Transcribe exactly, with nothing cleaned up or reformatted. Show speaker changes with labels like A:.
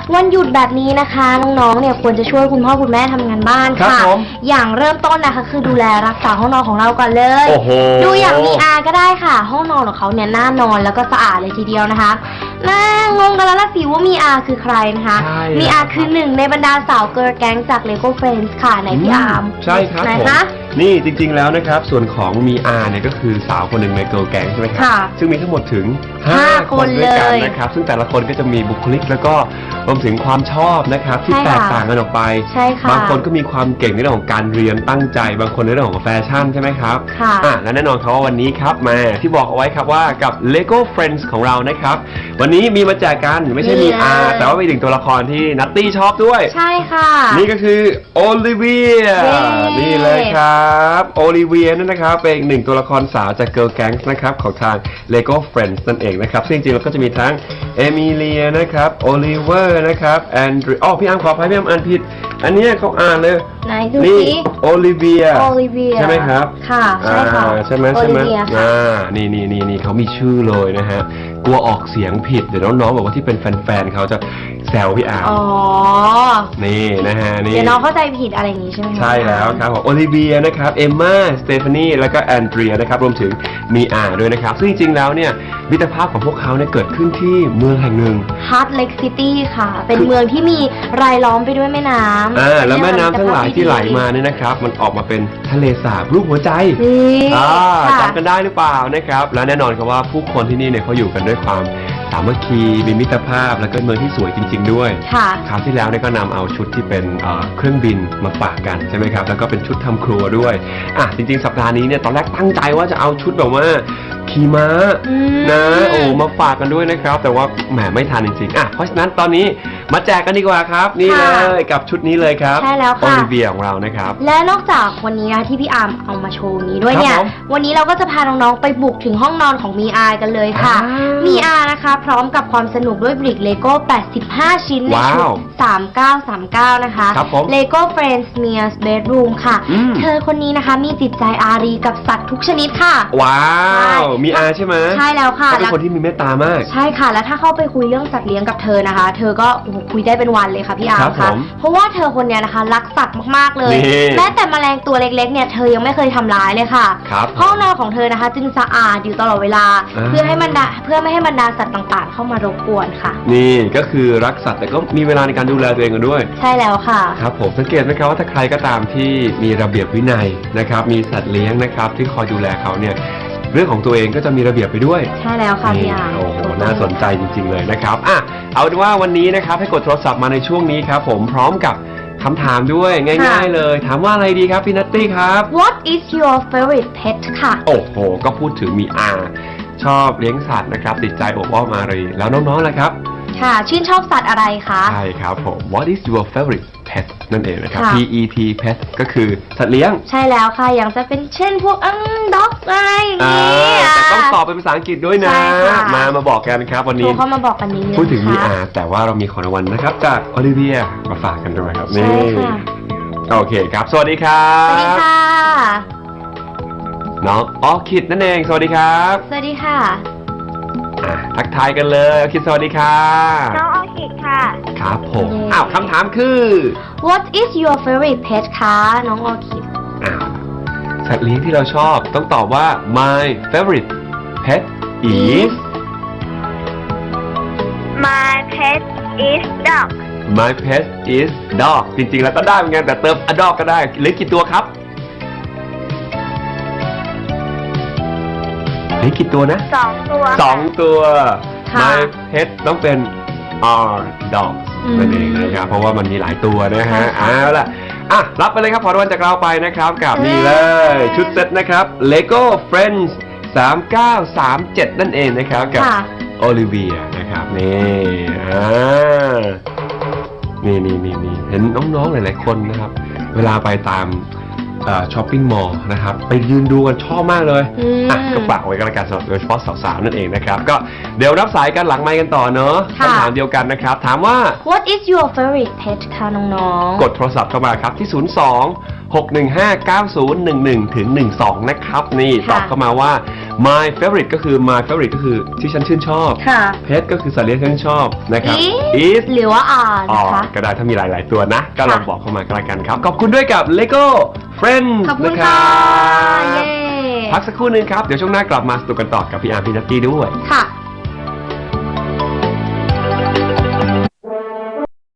A: วันหยุดแบบนี้นะคะน้องๆเนี่ยควรจะช่วยคุณพ่อคุณแม่ทำงานบ้านค่ะอย่างเริ่มต้นนะคะคือดูแลรักษาห้องนอนของเราก่อนเลยดูอย่างมีอาก็ได้ค่ะห้องนอนของเขาเนี่ยน่านอนแล้วก็สะอาดเลยทีเดียวนะคะน่างงกันแล้วละสิว่ามีอาคือใครนะคะมีอาคือหนึ่งในบรรดาสาวเกิร์ลแก๊งจาก Lego Friends ค่ะในพี่อาร์ม
B: ใช่ครับผมนี่จริงๆแล้วนะครับส่วนของมีอาเนี่ยก็คือสาวคนหนึ่งในเกิร์ลแก๊งใช่ไหมครับซึ่งมีทั้งหมดถึงห้าคนด้วยกันนะครับซึ่งแต่ละคนก็จะมีบุคลิกแล้วก็รวมถึงความชอบนะครับที่แตกต่างกันออกไปบางคนก็มีความเก่งในเรื่องของการเรียนตั้งใจบางคนในเรื่องของแฟชั่นใช่ไหมครับอ่ะและแน่นอนครับว่าวันนี้ครับมาที่บอกเอาไว้ครับว่ากับ Lego Friends ของเรานะครับวันนี้มีมาแจกกันไม่ใช่มีอาแต่ว่าเป็นหนึ่งตัวละครที่นัตตี้ชอบด้วย
A: ใช่ค่ะ
B: นี่ก็คือโอลิเวียนี่เลยครับโอลิเวียนั่นนะครับเป็นอีกหนึ่งตัวละครสาวจาก Girl Gang นะครับของทาง Lego Friends นั่นเองนะครับซึ่งจริงๆแล้วก็จะมีทั้งเอมิเลียนะครับโอลิเวอร์นะครับแอนดรีอ๋อพี่อาร์มขออภัยพี่อาร์มอ่านผิดอันนี้เขาอ่านเลย
A: ไหนดูสิ
B: โอลิเวีย
A: โอลิเวีย
B: ใช่ไหมครับ
A: ค่ะใช่ค่ะ
B: ใช่ไหมใช่ไหมอ่านี่นี่นี่นี่เขามีชื่อเลยนะฮะกลัวออกเสียงผิดเดี๋ยวน้องๆบอกว่าที่เป็นแฟนๆเขาจะแซวพี่อาร์ม
A: อ๋อ
B: นี่นะฮะนี่
A: เดี๋ยวน้องเข้าใจผิดอะไรอย่างนี้ใช่ไหม
B: ใช่แล้วครับโอลิเวียนะครับเอมม่าสเตฟานีแล้วก็แอนเดรียนะครับรวมถึงมีอาร์ด้วยนะครับซึ่งจริงๆแล้วเนี่ยมิตรภาพของพวกเขาเนี่ยเกิดขึ้นที่เมืองแห่งหนึ่ง
A: Heart Lake City ค่ะเป็นเมืองที่มีรายล้อมไปด้วยแม่น้ำ
B: อ่าแล้วแม่น้ำทั้งหลายที่ไหลมาเนี่ยนะครับมันออกมาเป็นทะเลสาบรูปหัวใจอ่าจำกันได้หรือเปล่านะครับและแน่นอนครับว่าผู้คนที่นี่เนี่ยเขาอยู่กันด้วยความสามัคคีมีมิตรภาพแล้วก็เมืองที่สวยจริงๆด้วย
A: ค่ะ
B: คราวที่แล้วเนี่ยก็นำเอาชุดที่เป็นเครื่องบินมาฝากกันใช่ไหมครับแล้วก็เป็นชุดทำครัวด้วยอ่ะจริงๆสัปดาห์นี้เนี่ยตอนแรกตั้งใจว่าจะเอาชุดแบบว่าขี่ม้านะโอ้มาฝากกันด้วยนะครับแต่ว่าแหมไม่ทันจริงๆอ่ะเพราะฉะนั้นตอนนี้มาแจกกันดีกว่าครับนี่เลยกับชุดนี้เลยครับ
A: ใช่แล้วค่ะ
B: โอลิเวียของเรานะครับ
A: และนอกจากวันนี้นะที่พี่อาร์มเอามาโชว์นี้ด้วยเนี่ยวันนี้เราก็จะพาน้องๆไปบุกถึงห้องนอนของมีอาร์กันเลยค่ะมีอาร์นะคะพร้อมกับความสนุกด้วยบริกเลโก้แปดสิบห้าชิ้นในชุดสามเก้าสามเก้านะคะเลโก้ Friends Mia's Bedroom ค่ะเธอคนนี้นะคะมีจิตใจอารีกับสัตว์ทุกชนิดค่ะ
B: ว้าวมีอาร์ใช่ไหม
A: ใช่แล้วค่ะ
B: เป็นคนที่มีเมตตามาก
A: ใช่ค่ะแล้วถ้าเข้าไปคุยเรื่องสัตว์เลี้ยงกับเธอนะคะเธอก็คุยได้เป็นวันเลยค่ะพี่อาร์มค่ะเพราะว่าเธอคนนี้นะคะรักสัตว์มากๆเลยแม้แต่แมลงตัวเล็กๆเนี่ยเธอยังไม่เคยทำร้ายเลยค่ะห้องนอนของเธอนะคะจึงสะอาดอยู่ตลอดเวลาเพื่อให้บรรดาเพื่อไม่ให้บรรดาสัตว์ต่างๆเข้ามารบกวนค่ะ
B: นี่ก็คือรักสัตว์แต่ก็มีเวลาในการดูแลตัวเองกันด้วย
A: ใช่แล้วค่ะ
B: ครับผมสังเกตไหมครับว่าถ้าใครก็ตามที่มีระเบียบวินัยนะครับมีสัตว์เลี้ยงนะครับที่คอยดูแลเขาเนี่ยเรื่องของตัวเองก็จะมีระเบียบไปด้วย
A: ใช่แล้วค่ะพี่อาร์
B: โอ้โหน่าสนใจจริงๆเลยนะครับอ่ะเอาเป็นว่าวันนี้นะครับให้กดโทรศัพท์มาในช่วงนี้ครับผมพร้อมกับคำถามด้วยง่ายๆเลยถามว่าอะไรดีครับพี่นัตตี้ครับ
A: What is your favorite pet ค่ะ
B: โอ้โหก็พูดถึงมีอาชอบเลี้ยงสัตว์นะครับติดใจโอบอ้อมอารีแล้วน้องๆล่ะครับ
A: ค่ะชื่นชอบสัตว์อะไรคะ
B: ใช่ครับผม What is your favorite pet นั่นเองนะครับ P E T pet ก็คือสัตว์เลี้ยง
A: ใช่แล้วค่ะอย่างจะเป็นเช่นพวกอืมด็อกอะไรอย่างนี้
B: แต่ต้องตอบเป็นภาษาอังกฤษด้วยนะมามาบอกกันครับวันนี้
A: เขามาบอกกันนี้
B: พูดถึงมีอาแต่ว่าเรามีของรางวัลนะครับจากโอลิเวียมาฝากกันด้วยครับนี่โอเคครับสวัสดีครับ
A: สวัสดีค่ะ
B: น้องออคิดนั่นเองสวัสดีครับ
A: สวัสดีค่ะ
B: ทักทายกันเลยออคิดสวัสดีค่ะ
C: น้องออคิดค่ะ
B: ครับผมอ้าวคำถามคือ
A: What is your favorite pet คะน้องออคิด
B: อ้าวสัตว์เลี้ยงที่เราชอบต้องตอบว่า My favorite pet is
C: My pet is dog
B: My pet is dog จริงๆแล้วก็ได้เหมือนกันแต่เติม a dog ก็ได้เหลือกี่ตัวครับเหลือกี่ตัวนะ
C: สองตัว
B: สองตัว My pet ต้องเป็น R dog นั่นเองนะครับเพราะว่ามันมีหลายตัวนะฮะเอาล่ะอ่ะรับไปเลยครับขอรางวัลจากเราไปนะครับกับนี่เลยชุดเซ็ตนะครับ Lego Friends สามเก้าสามเจ็ดนั่นเองนะครับกับโอลิเวียนะครับนี่อ่านี่นี่นี่นี่เห็นน้องๆหลายๆคนนะครับเวลาไปตามช้อปปิ้งมอลล์นะครับไปยืนดูกันชอบมากเลยอ่ะก็ฝากไว้กันละกันสำหรับโดยเฉพาะสาวๆนั่นเองนะครับก็เดี๋ยวรับสายกันหลังไมค์กันต่อเนอะคำถามเดียวกันนะครับถามว่า
A: What is your favorite pet คะน้องๆ
B: กดโทรศัพท์เข้ามาครับที่ศูนย์ สองหกหนึ่งห้า เก้าศูนย์หนึ่งหนึ่งถึงหนึ่งสองนะครับนี่
A: ค่ะ
B: ตอบเข้ามาว่า my favorite ก็คือ my favorite ก็คือที่ฉันชื่นชอบ
A: ค่ะ
B: pet ก็คือสัตว์เลี้ยงที่ฉันชอบนะครับ
A: is หรือว่า are
B: อ๋อ
A: นะคะ
B: ก็ได้ถ้ามีหลาย ๆ ตัวนะ ก็ลอง
A: ค่ะ
B: บอกเข้ามาก็แล้วกันครับ ขอบคุณด้วยกับ Lego Friends
A: ขอบคุณ
B: นะค
A: ค่ะ
B: รับ
A: เย้
B: พักสักครู่นึงครับ เดี๋ยวช่วงหน้ากลับมาสนุกกันต่อกับพี่อาร์มพี่นัตตี้ด้วย
A: ค่ะ